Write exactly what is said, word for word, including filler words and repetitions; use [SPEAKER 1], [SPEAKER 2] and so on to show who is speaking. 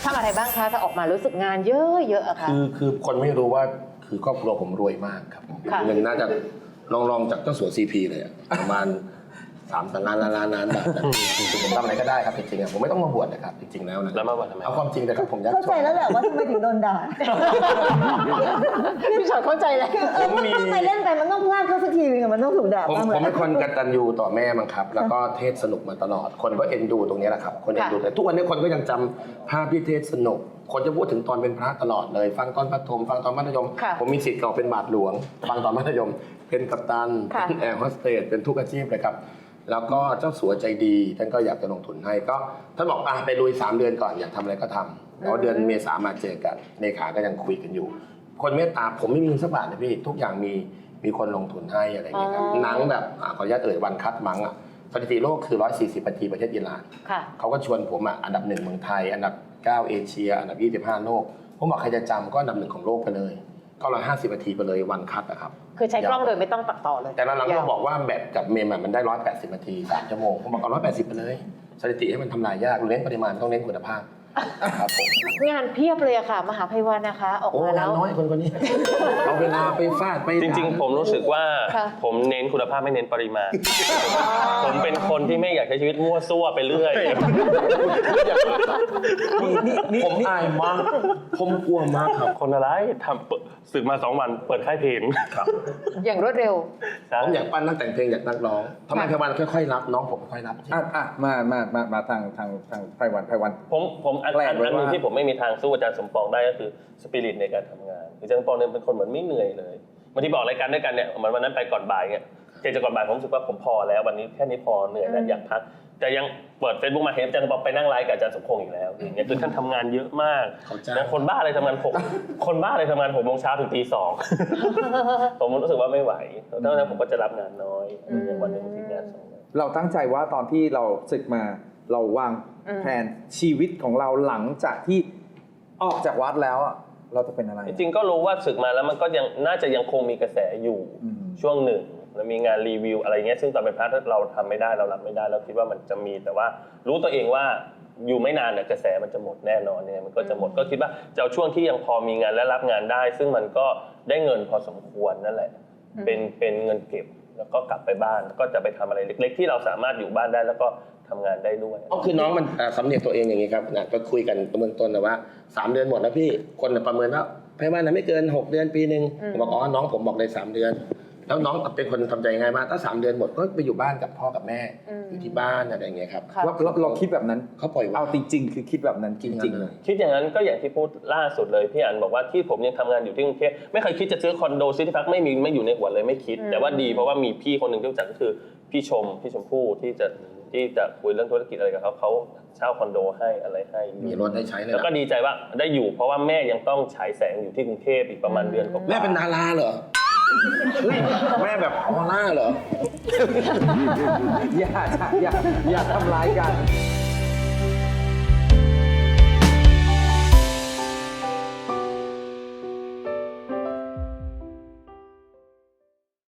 [SPEAKER 1] ทำอะไรบ้างคะถ้าออกมารู้สึกงานเยอะๆอะคะ
[SPEAKER 2] คือคือคนไม่รู้ว่าคือครอบครัวผมรวยมากครับเงินน่าจะลองลองจากเจ้าสัวซีพีเลยประมาณสามล้านล้านล้านล้านบาทผมทำอะไรก็ได้ครับจริงๆผมไม่ต้องมาบวชนะครับจริงๆแล้วนะ
[SPEAKER 3] แล้วมาบวชทำไม
[SPEAKER 2] เอาความจริงเลยครับผมอยาก
[SPEAKER 4] เข้าใจแล้วแหละว่าทำไมถึงโดนด่า
[SPEAKER 1] พี่ชอตเข้าใจแล้ว
[SPEAKER 4] เออทำไมเล่นไปมันต้องพลาดเข้าสักทีนึงมันต้องถูกด่า
[SPEAKER 2] ผม
[SPEAKER 4] บ้าง
[SPEAKER 2] ผมเป็นคนกตัญญูต่อแม่มั้งครับแล้วก็เทศสนุกมาตลอดคนก็เอ็นดูตรงนี้แหละครับคนเอ็นดูแต่ทุกวันนี้คนก็ยังจำภาพที่เทศสนุกคนจะพูดถึงตอนเป็นพระตลอดเลยฟังตอนประถมฟังตอนมัธยมผมมีสิทธิ์เก่าเป็นบาทหลวงฟังตอนมัธยมเป็นกัปตันเป็นแอร์โฮสเตสเป็นทุกอาชีพเลยครับแล้วก็เจ้าสัวใจดีท่านก็อยากจะลงทุนให้ก็ท่านบอกอ่ะไปลุยสามเดือนก่อนอยากทำอะไรก็ทำแล้วเดือนเมษามาเจอกันเลขาก็ยังคุยกันอยู่คนเมตตาผมไม่มีสักบาทนะพี่ทุกอย่างมีมีคนลงทุนให้อะไรอย่างเงี้ยครับหนังแบบขออนุญาตเอ่ยวันคัดมั้งอ่ะสถิติโลกคือหนึ่งร้อยสี่สิบนาทีประเทศอิหร่านเขาก็ชวนผมอ่ะอันดับหนึ่งเมืองไทยอันดับเก้าเอเชียอันดับยี่สิบห้าโลกผมบอกใครจะจำก็อันดับหนึ่งของโลกไปเลยก็ร้อยห้าสิบนาทีไปเลยวันคัดอะครับ
[SPEAKER 1] คือใช้กล้องโดยไม่ต้องตัดต่อเลย
[SPEAKER 2] แต่หลังๆก็บอกว่าแบตกับเมมมันได้ร้อยแปดสิบนาทีสามชั่วโมงผมบอกเอาร้อยแปดสิบไปเลยสถิติให้มันทำลายยากเน้นปริมาณต้องเน้นคุณภาพครับผม
[SPEAKER 1] งานเพียบเลยอะค่ะมหาภัยวันนะคะออกมาแล้ว
[SPEAKER 2] น้อยคนคนนี้เอาเวลาไปฟาดไป
[SPEAKER 3] จริงๆผมรู้สึกว่าผมเน้นคุณภาพไม่เน้นปริมาณผมเป็นคนที่ไม่อยากใช้ชีวิตมั่วซั่วไปเรื่อย
[SPEAKER 2] ผมอายมากผมกลัวมากครับ
[SPEAKER 3] คนอะไรทำสึกมาสองวันเปิดค่ายเพลง
[SPEAKER 2] ครับ
[SPEAKER 1] อย่างรวดเร็ว
[SPEAKER 2] ผมอยากปั้นนักแต่งเพลงอยากนักร้องทำไมไพวันค่อยๆรับน้องผมค่อยๆรับ
[SPEAKER 5] อ่ะอ่ะมามามามาทางทางทางไพวันไพวัน
[SPEAKER 3] ผมผมอันอันนึงที่ผมไม่มีทางสู้อาจารย์สมปองได้ก็คือสปิริตในการทำงานอาจารย์สมปองเนี่ยเป็นคนเหมือนไม่เหนื่อยเลยบางทีบอกรายการด้วยกันเนี่ยเหมือนวันนั้นไปก่อนบ่ายเนี่ยเจอจะก่อนบ่ายผมรู้สึกว่าผมพอแล้ววันนี้แค่นี้พอเหนื่อยแล้วอยากพักแต่ยังเปิด Facebook มาเห็นอาจารย์สมปองไปนั่งไลฟ์กับอาจารย์สมพงษ์อีกแล้วอย่างเงี้ยคือท่านทำงานเยอะมากนะคนบ้าอะไรทำงานหกคนบ้าอะไรทำงานหกโมงเช้าถึงตีสองผมรู้สึกว่าไม่ไหวดังนั้นผมก็จะรับงานน้อยอย่างวันหนึ่งทีงานสอง
[SPEAKER 5] เราตั้งใจว่าตอนที่เราศึกมาเราวางแผนชีวิตของเราหลังจากที่ออกจากวัดแล้วเราจะเป็นอะไร
[SPEAKER 3] จริงๆก็รู้ว่าศึกมาแล้วมันก็ยังน่าจะยังคงมีกระแสอยู่ช่วงหนึ่งแล้วมีงานรีวิวอะไรเงี้ยซึ่งตอนเป็นพระเราทำไม่ได้เรารับไม่ได้เราคิดว่ามันจะมีแต่ว่ารู้ตัวเองว่าอยู่ไม่นานเนี่ยกระแสมันจะหมดแน่นอนเนี่ยมันก็จะหมดก็คิดว่าจะเอาช่วงที่ยังพอมีงานและรับงานได้ซึ่งมันก็ได้เงินพอสมควรนั่นแหละเป็นเป็นเงินเก็บแล้วก็กลับไปบ้านก็จะไปทำอะไรเล็กๆที่เราสามารถอยู่บ้านได้แล้วก็ทำงานได้ด้วย
[SPEAKER 2] ก็คือน้องมันสำเนียกตัวเองอย่างนี้ครับนะก็คุยกันเบื้องต้นนะว่าสามเดือนหมดแล้วพี่คนประเมินว่าไพวันนะไม่เกินหกเดือนปีนึงผมบอกอ๋อน้องผมบอกเลยสามเดือนแล้วน้องเป็นคนทำใจง่ายมากถ้าสามเดือนหมดก็ไปอยู่บ้านกับพ่อกับแม่อยู่ที่บ้านอะไรอย่างเงี้ยครับ
[SPEAKER 5] เราเราคิดแบบนั้น
[SPEAKER 2] เขาปล่อย
[SPEAKER 5] เอาจริงๆคือคิดแบบนั้นจริงๆ
[SPEAKER 3] เลยคิดอย่างนั้นก็อย่างที่พูดล่าสุดเลยพี่อันบอกว่าที่ผมยังทำงานอยู่ที่กรุงเทพไม่เคยคิดจะซื้อคอนโดซื้อที่พักไม่มีไม่อยู่ในหัวเลยไม่คิดแต่ว่าดีเพราะว่ามีพี่คนหนึ่งที่รู้จักก็คือพี่ชมพี่ชมพู่ที่จะที่จะคุยเรื่องธุรกิจอะไรกับเขาเขาเช่าคอนโดให้อะไรให้
[SPEAKER 2] มีรถได้ใช้เลย
[SPEAKER 3] แล้วก็ดีใจว่าได้อยู่เพราะว่าแม่ยังต้องฉายแสงอยู่ที่กรุงเทพอีกประมาณเดือนกว่า
[SPEAKER 2] แม่เป็นดาราเหรอแม่แบบออร่าเหรอ
[SPEAKER 5] อย่าอย่าอย่าทำร้ายกัน